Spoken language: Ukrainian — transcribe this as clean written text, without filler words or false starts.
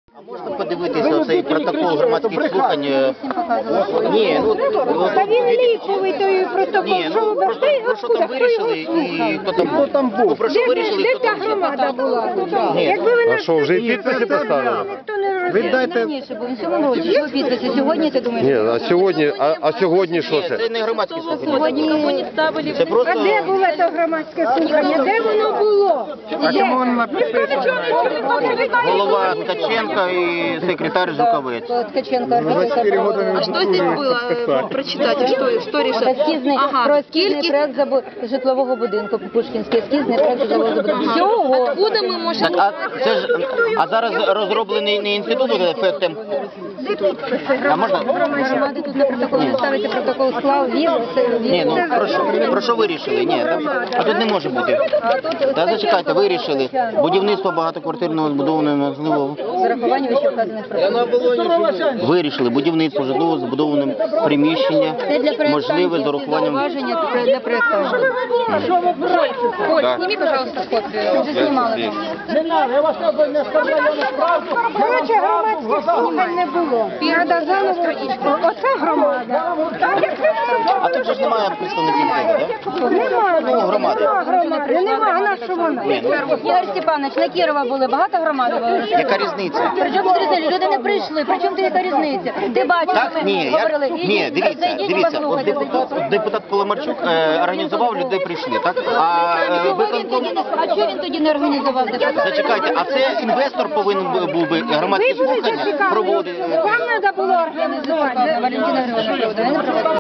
А можна подивитися цей протокол громадських слухань? Ні, ну... Та він ліповий той протокол. Ні, ну про що там вирішили і хто там був? Про що вирішили і Де хто та там був? громада була? Ні. Якби ви А що, вже і підписи поставили? ніхто не розуміє. Віддайте. Раніше, бо в цьому році що підписи. Сьогодні ти думаєш? Ні, а сьогодні що Ні, це? це не громадські слухання. Сьогодні кого не ставили. Це просто... А де було то громадське слухання? Де воно було? А чому воно написано? Голова Ткаченко і секретар Жуковець. Ткаченко, архітектор. А что здесь было? Прочитайте, что решать? Ескізний, про ескізний проект житлового будинку Пушкінський, ескізний проект житлового будинку. Всього. Откуда мы можем... Так, а зараз розроблений не інститут ФТМ? А можна? Громади тут на протокол не ставити, протокол склав, вів. Ні, ну про що вирішили? Ні, а тут не може бути. Та зачекайте, вирішили. Будівництво багатоквартирного збудованого можливого. З урахуванням вище вказаних протоколів. Вирішили будівництво житлового збудованого приміщення Це для можливе з урахуванням... зауваження для проєктантів. Коль, сними, пожалуйста, копію. Вже знімали. Коротше, громадських слухань не було. Треба заново. Оце громада. А тут же ж немає представників цього, так? Немає. Ну, громади. Нема, а на що вона? Ігор Степанович, на Кірова були, багато громади було? Яка різниця? Причому тут різниця? Люди не прийшли, причому яка різниця? Ти бачиш, Так, ми ні, говорили, ні, дивіться, от депутат Поломарчук організував, людей прийшли, так? А виконком... А чого він тоді не організував депутат? Зачекайте, а це інвестор повинен був би громадські слухання проводити? Вам треба було організувати. Валентина Григорівна,